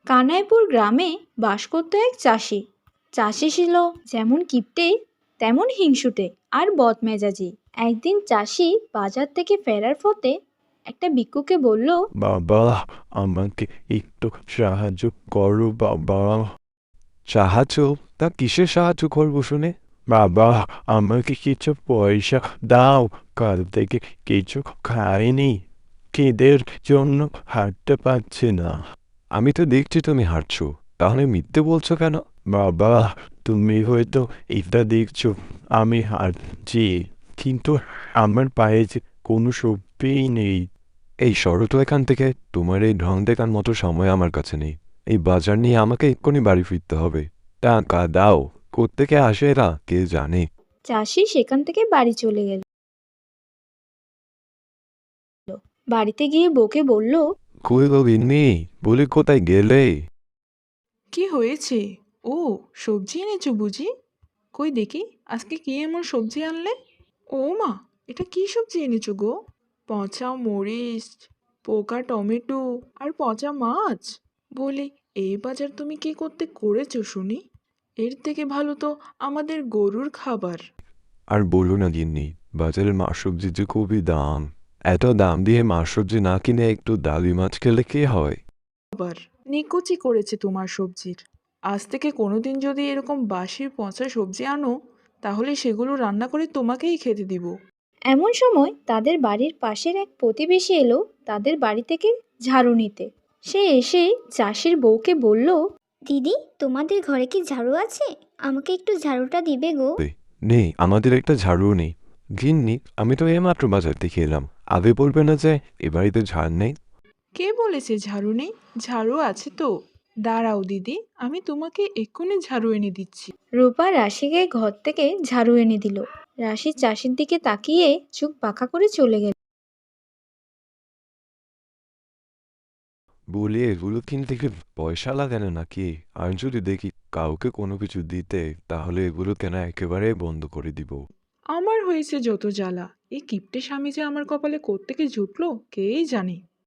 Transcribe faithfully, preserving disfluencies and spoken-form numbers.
কানাইপুর গ্রামে বাস করত এক চাষি। চাষি ছিল যেমন কিপ্টে তেমন হিংসুটে আর বদমেজাজি। একদিন চাষি বাজার থেকে ফেরার পথে একটা ভিক্ষুককে বলল, বাবা, আমাকে একটু সাহায্য করো বাবা। সাহায্য? তা কিসের সাহায্য করবো শুনে? বাবা, আমাকে কিছু পয়সা দাও, কাল থেকে কিছু খাইনি, খিদের জন্য হাঁটতে পারছি না। আমি তো দেখছি তুমি হাঁটছো, তাহলে মিথ্যে বলছো কেন? বাবা, তুমি হয়তো এটা দেখছো আমি হাঁটছি, কিন্তু আমার পায়ে যে কোনো শক্তিই নেই। এই সরো তো এখান থেকে, তোমার এই ঢং দেখার মতো সময় আমার কাছে নেই। এই বাজার নিয়ে আমাকে এক্ষুনি বাড়ি ফিরতে হবে। টাকা দাও। কোত্থেকে আসে এরা কে জানে। চাষি সেখান থেকে বাড়ি চলে গেল। বাড়িতে গিয়ে বউকে বলল, কই গো গিন্নি, বলি কোথায় গেলে? কি হয়েছে? ও, সবজি এনেছো বুঝি? কই দেখি, আজকে কি এমন সবজি আনলে? ও মা, এটা কি সবজি এনেছো গো? পচা মরিচ, পোকা টমেটো আর পচা মাছ। বলি, এই বাজার তুমি কি করতে করেছো শুনি? এর থেকে ভালো তো আমাদের গরুর খাবার। আর বলো না গিন্নি, বাজারের মাছ সবজির যে খুবই দাম। এত দাম দিয়ে মাছ সবজি না কিনে একটু ডালি মাছ খেলে কি হয়? খাবার নিকুচি করেছে তোমার সবজির। আজ থেকে কোনোদিন যদি এরকম বাসি পচা সবজি আনো, তাহলে সেগুলো রান্না করে তোমাকেই খেতে দিব। এমন সময় তাদের বাড়ির পাশের এক প্রতিবেশী এলো তাদের বাড়ি থেকে ঝাড়ু নিতে। সে এসে চাষির বউকে বলল, দিদি, তোমাদের ঘরে কি ঝাড়ু আছে? আমাকে একটু ঝাড়ুটা দিবে গো। এই, নেই, আমাদের একটা ঝাড়ু নেই। গিন্নি, আমি তো এইমাত্র বাজার থেকে এলাম, আগে বলবে না যে এ বাড়িতে ঝাড় নেই? কে বলেছে ঝাড়ু নেই? ঝাড়ু আছে তো। দাঁড়াও দিদি, আমি তোমাকে এক্ষুনি ঝাড়ু এনে দিচ্ছি। রূপা রাশিকে ঘর থেকে ঝাড়ু এনে দিল। রাশি চাষির দিকে তাকিয়ে চোখ পাকা করে চলে গেল। বলি, এগুলো কিনতে কি পয়সা লাগে না নাকি? আর যদি দেখি কাউকে কোনো কিছু দিতে, তাহলে এগুলো কেনা একেবারে বন্ধ করে দিব। আমার হয়েছে যত জ্বালা, এই কিপ্টে স্বামী যে আমার কপালে কোত্থেকে জুটলো কেই জানে।